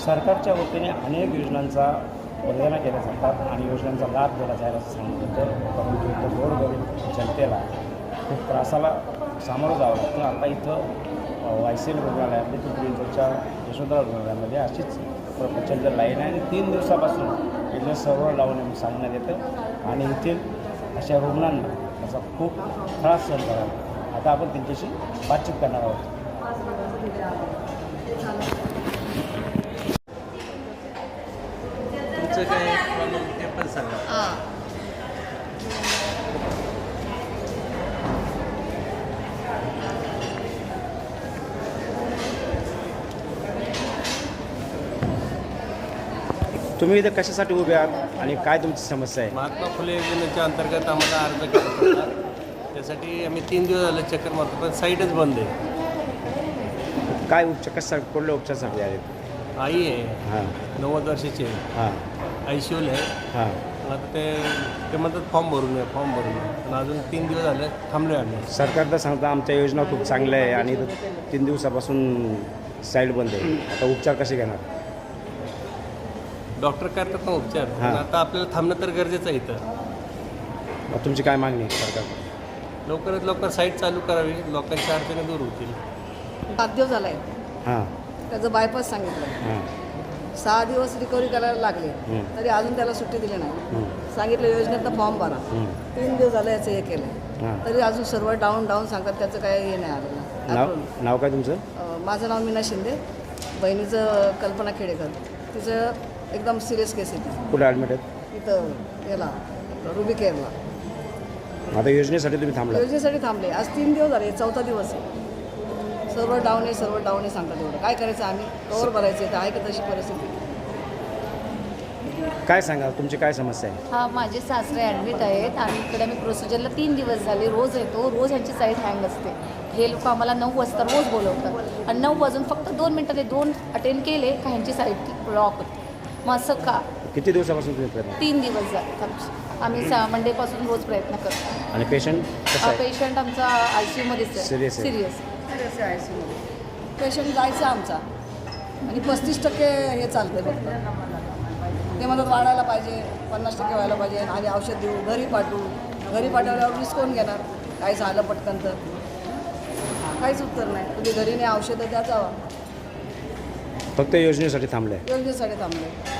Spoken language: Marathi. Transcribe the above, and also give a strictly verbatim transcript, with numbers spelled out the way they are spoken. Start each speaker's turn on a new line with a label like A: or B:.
A: सरकारच्या वतीने अनेक योजनांचा वंदना केल्या जातात आणि योजनांचा लाभ दिला जाईल असं सांगितलं तर परंतु इथं गोरगरीब जनतेला खूप त्रासाला सामोरं जावं लागतं. आता इथं वाय सी एल रुग्णालयामध्ये पिंपरीच्या यशोधरा रुग्णालयामध्ये अशीच प्रचंड लाईन आहे आणि तीन दिवसापासून इथलं सर्व लावून सांगण्यात येतं आणि येथील अशा रुग्णांना त्याचा खूप त्रास सहन करावा लागतो. आता आपण त्यांच्याशी बातचीत करणार आहोत.
B: तुमचं काय प्रॉब्लेम ते पण सांगा.
A: तुम्ही इथं कशासाठी उभे आहात आणि काय तुमची समस्या आहे?
B: महात्मा फुले योजनेच्या अंतर्गत आम्हाला अर्ज करत होता. त्यासाठी आम्ही तीन दिवस झाले चक्कर मारतो पण साईटच बंद आहे.
A: काय उपचार कशासाठी कुठल्या उपचारासाठी आहेत?
B: आई आहे
A: हां
B: नव्वद वर्षाची आहे,
A: हां
B: आय सी यूला आहे.
A: हां
B: आता ते ते म्हणतात फॉर्म भरून आहे फॉर्म भरून आहे पण अजून तीन दिवस झाले थांबलो आहे आम्ही.
A: सरकार तर सांगतं आमच्या योजना खूप चांगल्या आहे आणि तीन दिवसापासून साईड बंद आहे. आता उपचार कसे घेणार?
B: डॉक्टर करतात ना उपचार पण
A: हां.
B: आता आपल्याला थांबणं तर गरजेचं आहे इथं.
A: मग तुमची काय मागणी आहे सरकार?
B: लवकरात लवकर साईट चालू करावी, लोकांच्या अडचणी दूर होतील.
C: सात दिवस झाला आहे
A: हां
C: त्याचं बायपास सांगितलं.
A: हां
C: सहा दिवस रिकव्हरी करायला लागले
A: हं.
C: तरी अजून त्याला सुट्टी दिली नाही.
A: हं.
C: सांगितलं योजनेतनं फॉर्म भरा.
A: हं.
C: तीन दिवस झालं याचं हे केलं
A: हां.
C: तरी अजून सर्व डाऊन डाऊन सांगतात त्याचं काय हे नाही आलं.
A: नाव नाव काय तुमचं?
C: अं, माझं नाव मीना शिंदे, बहिणीचं कल्पना खेडेकर. तिचं एकदम सिरियस केस आहे ती.
A: कुठे ॲडमिट आहेत?
C: इथं याला रुबी केअरला.
A: आता योजनेसाठी तुम्ही थांबला?
C: योजनेसाठी थांबले. आज तीन दिवस झाले, चौथा दिवस आहे. सर्व डाऊन आहे सर्व डाऊन आहे सांगतात. एवढं काय करायचं आम्ही? कवर भरायचं तर आहे का तशी परिस्थिती?
A: काय सांगा तुमची काय समस्या आहे?
D: हा माझे सासरे ॲडमिट आहेत आणि इकडे मी प्रोसिजरला तीन दिवस झाले रोज येतो. रोज ह्यांची साईट हँग असते. हे लोक आम्हाला नऊ वाजता रोज बोलवतात आणि नऊ वाजून फक्त दोन मिनटं ते दोन अटेंड केले का ह्यांची साईट लॉक होते. मग असं का?
A: किती दिवसापासून तुम्ही प्रयत्न?
D: तीन दिवस झाले आमचे. आम्ही सा मंडेपासून रोज प्रयत्न करतो.
A: आणि पेशंट कसं आहे?
D: पेशंट आमचा आय सी यूमध्येच आहे.
A: Serious आहे?
D: सिरियस
C: सिरियस आहे आय सी यूमध्ये. पेशंट जायचं आमचा आणि पस्तीस टक्के हे चालते फक्त. ते म्हणतात वाढायला पाहिजे, पन्नास टक्के व्हायला पाहिजे आणि औषध देऊ, घरी पाठवू. घरी पाठवल्यावर रिस्क कोण घेणार? काय झालं पटकन तर काहीच उत्तर नाही. तुम्ही घरी नाही औषधं द्या जावा.
A: फक्त योजनेसाठी थांबलं आहे?
C: योजनेसाठी थांबले.